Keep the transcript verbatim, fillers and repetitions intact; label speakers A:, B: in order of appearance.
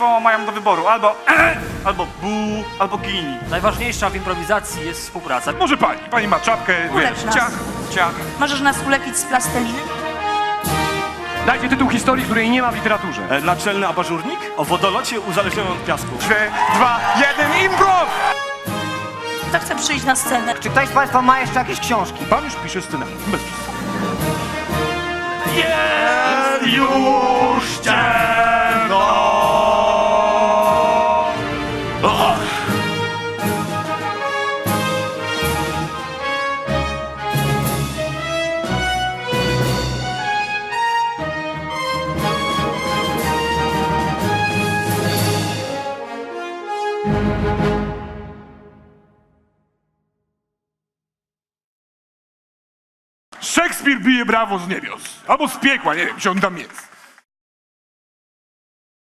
A: państwo mają do wyboru albo e, albo bu, albo gini.
B: Najważniejsza w improwizacji jest współpraca.
C: Może pani, pani ma czapkę,
D: Ulecz
C: wiesz,
D: nas.
C: ciach, ciach.
D: Możesz nas ulepić z plasteliny?
E: Dajcie tytuł historii, której nie ma w literaturze.
A: E, naczelny abażurnik o wodolocie uzależnionym od piasku.
C: Trzy, dwa, jeden, improv!
D: Kto chce przyjść na scenę?
F: Czy ktoś z państwa ma jeszcze jakieś książki?
C: Pan już pisze scenariusz, bez przesady.
A: Jest już ciemno!
C: Szekspir bije brawo z niebios. Albo z piekła, nie wiem, gdzie on tam jest.